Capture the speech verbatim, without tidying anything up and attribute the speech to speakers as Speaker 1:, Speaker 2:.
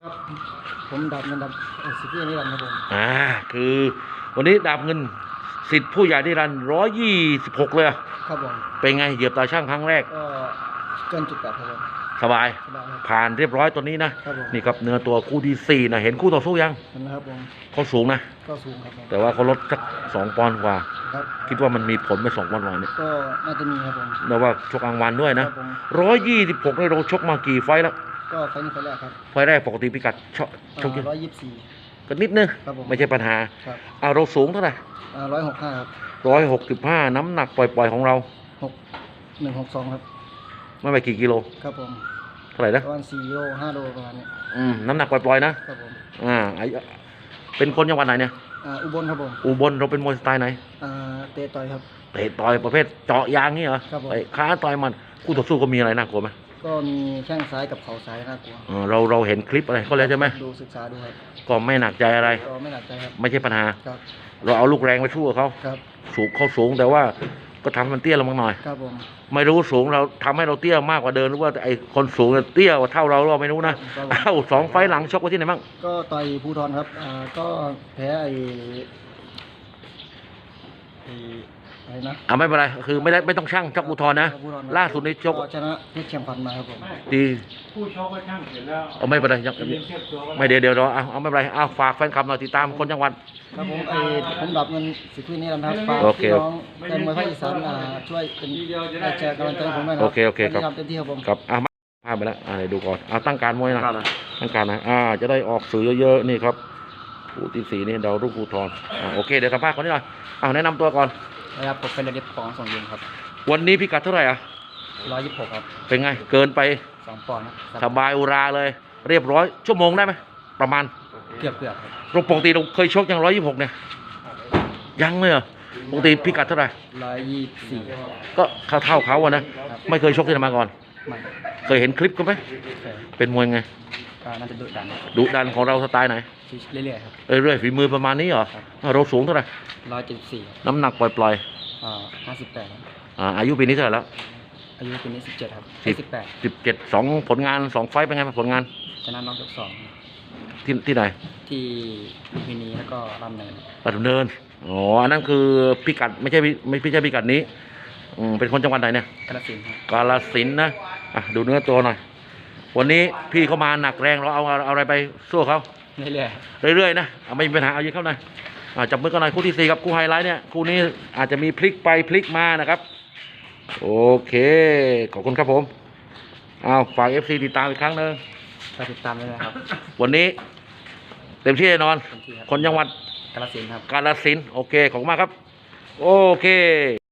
Speaker 1: ผมดาบเงินดาบสิบยี่นี่ครับผม
Speaker 2: อ่าคือวันนี้ดาบเงินสิทธิ์ผู้ใหญ่ที่รันร้อยยี่สิบหกเลยอะ
Speaker 1: ครับผม
Speaker 2: เป็นไงเหยียบตาช่างครั้งแรก
Speaker 1: ก็เกินจุดแปดครับผม
Speaker 2: สบาย
Speaker 1: สบายครับ
Speaker 2: ผ่านเรียบร้อยตัวนี้นะครับ
Speaker 1: ผม
Speaker 2: นี่ครับเนื้อตัวคู่ที่สี่นะเห็นคู่ต่อสู้ยัง
Speaker 1: เห็นนะครับผม
Speaker 2: เขาสูงนะ
Speaker 1: ก็สูงครับผม
Speaker 2: แต่ว่าเขาลดสักสองปอนด์กว่า
Speaker 1: ครับ
Speaker 2: คิดว่ามันมีผลไปสองปอนด์กว่าเนี่ย
Speaker 1: ก็น่าจะมีครับผม
Speaker 2: แล้วว่าชกกลางวันด้วย
Speaker 1: ค
Speaker 2: นะ
Speaker 1: รับผม
Speaker 2: ร้อยยี่สิบหกเราชกมากี่ไฟต์แล้ว
Speaker 1: ก็ไฟล์นี้ไฟล์แรกครับ
Speaker 2: ไฟล์แรกปกติพิกัดชกชก
Speaker 1: ร้อยยี่สิบสี่
Speaker 2: กันนิดนึง
Speaker 1: ครับผม
Speaker 2: ไม่ใช่ปัญหา
Speaker 1: ครับ
Speaker 2: เอาเราสูงเท่าไหร่
Speaker 1: ร้อยหกห้าครับ
Speaker 2: ร้อยหกสิบห้าน้ำหนักปล่อยๆของเรา
Speaker 1: หกหนึ่งหกสองครับ
Speaker 2: ไม่ไปกี่กิโล
Speaker 1: ครับผม
Speaker 2: เท่าไหร่นะ
Speaker 1: ประมาณสี่โลห้าโลประมาณนี้
Speaker 2: อืมน้ำหนักปล่อยๆนะครับ
Speaker 1: ผม
Speaker 2: อ่าไอเป็นคนจังหวัดไหนเนี่ย
Speaker 1: อ่าอุบลครับผม
Speaker 2: อุบลเราเป็นมวยสไตล์ไหน
Speaker 1: อ่าเตะต่อยครับ
Speaker 2: เตะต่อยประเภทเจาะยางนี่เหรอ
Speaker 1: ครับผม
Speaker 2: ไอ้ขาต่อยมันคู่ต่อสู้ก็มีอะไรน่ากลัวไหม
Speaker 1: ก็มีแข้งซ้ายกับเข่าซ้ายน่ากลัว
Speaker 2: เออเราเราเห็นคลิปอะไรก็แล้วใช่ไหม
Speaker 1: ดูศึกษาดูครับ
Speaker 2: ก็ไม่หนักใจอะไร
Speaker 1: ก็ไม่หนักใจครับ
Speaker 2: ไม่ใช่ปัญหา
Speaker 1: ครับ
Speaker 2: เราเอาลูกแรงไปสู้กับเขา
Speaker 1: ครับ
Speaker 2: สูงเขาสูงแต่ว่าก็ทำมันเตี้ยลงมาหน่อย
Speaker 1: ครับผม
Speaker 2: ไม่รู้สูงเราทำให้เราเตี้ยมากกว่าเดิมหรือว่าไอ้คนสูงเตี้ยกว่าเท่าเราเราไม่รู้นะเอ้าสองไฟล์หลังชกไว้ที่ไหนบ้าง
Speaker 1: ก็ต่อยภูทรครับ อ่า ก็แพ้ไอ้ไอ้อะไรนะ
Speaker 2: อ่าไม่เป็นไรคือไม่ได้ไม่ต้องช่างชกอุทธรณ์นะ
Speaker 1: ภูธรครับ
Speaker 2: ล่าสุดในชก
Speaker 1: ชนะเพชรเชียงพันมาครับผม
Speaker 2: ดี
Speaker 3: ผู้ชกก็ช่างเสร็จแล้ว
Speaker 2: เอาไม่เป็นไรยัง
Speaker 3: เรียนเทียบตัวก็
Speaker 2: ไม่เดี๋ยวเดี๋ยวรอเอาเอาไม่เป็นไรเอาฝากแฟนคลับหน่อยติดตามคนจังหวัด
Speaker 1: ครับผมไอ้ผมดับเงินสิทธิ์นี้นะครับฝาก
Speaker 2: โอเค
Speaker 1: พี่น้องแฟนมวยภาคอีสานอ่าช่วยเป็นได้แชร์กำลังใจให้ผมด้วยนะครั
Speaker 2: โอเคโอเคครับ
Speaker 1: ทำเต็มที่ครับผม
Speaker 2: ครับอ่ะมาพาไปแล้วอ่าเดี๋ยวดูก่อนเอาตั้งการมวยนะตั้งการนะอ่าจะได้ออกสื่อเยอะๆนี่ครับผู้ที่สี่นี่ดาวรุ่งภูทรอ่าโอเคเดี๋ยวสัมภาษณ์คนนี้หน่อยเอาแนะนำตัวก่อน
Speaker 1: นะครับผมเป็นระดับปองสองยิงครับ
Speaker 2: วันนี้พิกัดเท่าไหร่อ่ะ
Speaker 1: ร้อยยี่สิบหกครับ
Speaker 2: เป็นไงเกินไป
Speaker 1: สองปอนด์ค
Speaker 2: ส
Speaker 1: รับบ
Speaker 2: ายอุราเลย เรียบร้อยชั่วโมงได้ไหมประมาณ
Speaker 1: เกือบเกือบครับ
Speaker 2: เราปกติเราเคยชกอย่างร้อยยี่สิบหกเนี่ยยังเลยเหรอปกติพิกัดเท่าไหร่
Speaker 1: ร้อยยี่สิบสี่
Speaker 2: ก็เท่าเท่าเขาอะนะไม่เคยชกที่ไหนมาก่อน
Speaker 1: ไม่
Speaker 2: เคยเห็นคลิปกันไหม
Speaker 1: เคย
Speaker 2: เป็นมวยไง
Speaker 1: ก็น่าจะดุดัน
Speaker 2: ดุดันของเราสไตล์ไหน
Speaker 1: เรื่อยๆครับ
Speaker 2: เอ้ยเรื่อยฝีมือประมาณนี้เหรออ่ะเราสูงเท่าไหร่
Speaker 1: ร้อยเจ็ดสิบสี่
Speaker 2: น้ำหนักปล่อย
Speaker 1: อ่าห้าสิบแปด
Speaker 2: ๆอ่าอายุปีนี้เท่าไหร่แล้ว
Speaker 1: อายุปีนี้สิบเจ็ดครับ
Speaker 2: สิบ
Speaker 1: สิบแปด
Speaker 2: สิบเจ็ดสองผลงานสองไฟต์เป็นไงบ้างผลงาน
Speaker 1: ชนะน็อกยกสอง
Speaker 2: ที่ที่ไหน
Speaker 1: ที่ลุมพินีแล้วก็รำเนิน
Speaker 2: ปัตตุเนินอ๋ออันนั้นคือพิกัดไม่ใช่พิไม่ไม่ใช่พิกัดนี้อืมเป็นคนจังหวัดไหนเนี่ย
Speaker 1: กระสินธุ์ครับ
Speaker 2: กาฬสินธุ์นะอ่ะดูเนื้อตัวหน่อยวันนี้พี่เขามาหนักแรงเราเอาเอาเอาอะไรไปสู้เขา
Speaker 1: เรื่อย
Speaker 2: เรื่อยๆนะเอาไม่มีปัญหาเอายิงเข้าหน่อยอ่าจับมือกันหน่อยคู่ที่สี่ครับคู่ไฮไลท์เนี่ยคู่นี้อาจจะมีพลิกไปพลิกมานะครับโอเคขอบคุณครับผมเอาฝาก เอฟ ซี ติดตามอีกครั้งหนึง
Speaker 1: ๆไปติดตามเลยนะครับ
Speaker 2: วันนี้เต็มที่แน่นอน
Speaker 1: เต็มที่ครับ
Speaker 2: คนจังหวัด
Speaker 1: กระสินธุ์ครับ
Speaker 2: กาฬสินธุ์โอเคขอบคุณมากครับ โอเค